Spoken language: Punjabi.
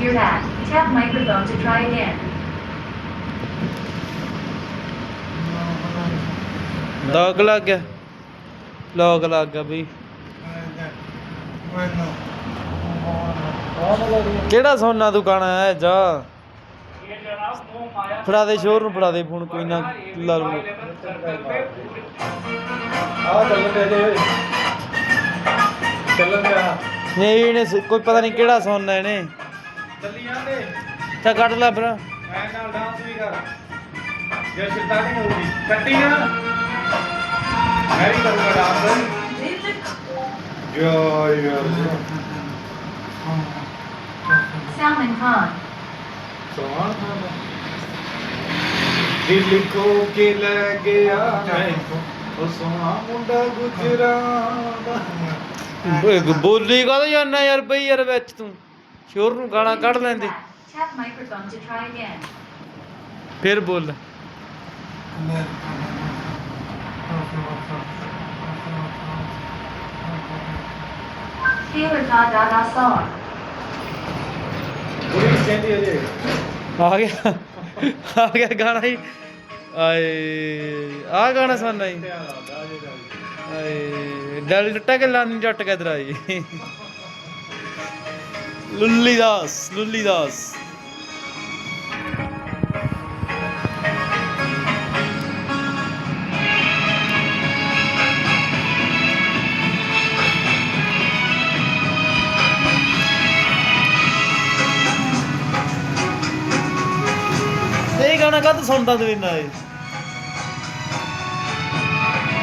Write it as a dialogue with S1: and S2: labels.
S1: hear that. Tap microphone to try again.
S2: Lock ਲੱਗ ਗਿਆ, ਲੌਕ ਲੱਗ ਗਿਆ ਬਈ। ਕਿਹੜਾ ਸੋਨਾ ਦੁਕਾਨ ਹੈ ਜਾ ਫੜਾ ਦੇ ਸ਼ੋਰ ਨੂੰ, ਫੜਾ ਦੇ ਫੋਨ, ਕੋਈ ਨਾ ਲਾ ਲੂ। ਨਹੀਂ ਇਹਨੇ ਕੋਈ ਪਤਾ ਨਹੀਂ ਕਿਹੜਾ ਸੋਨਾ ਇਹਨੇ ਤਾਂ ਕੱਢ ਲੈ ਫਿਰ।
S1: Salman Khan.
S3: ਦਿਲ ਖੋ ਕੇ ਲੈ ਗਿਆ ਉਹ ਸੋਹਣਾ ਮੁੰਡਾ ਗੁਜਰਾਂ।
S2: ਬੋਲੀ ਕਾਹਦਾ ਜਾਂਦਾ ਯਾਰ ਬਈ, ਯਾਰ ਵਿੱਚ ਤੂੰ ਸ਼ੋਰ ਨੂੰ ਗਾਲਾਂ ਕੱਢ ਲੈਂਦੇ।
S1: Tap microphone to try again.
S2: ਫਿਰ ਬੋਲ।
S1: Taylor da da da song.
S2: ਆ ਗਿਆ, ਆ ਗਿਆ ਗਾਣਾ ਹੀ। ਆਏ ਆ ਗਾਣਾ ਸੁਣਨਾ ਹੀ। ਆਏ ਦਿਲ ਟੁੱਟਾ ਕੇ ਲਾਨੀ ਜੱਟ ਕੇ ਇਧਰ ਆਈ। ਲੁੱਲੀ ਦਾਸ, ਲੁੱਲੀ ਦਾਸ। ਇਹ ਗਾਣਾ ਕਦ ਸੁਣਦਾ ਤੂੰ ਇੰਨਾ ਇਹ?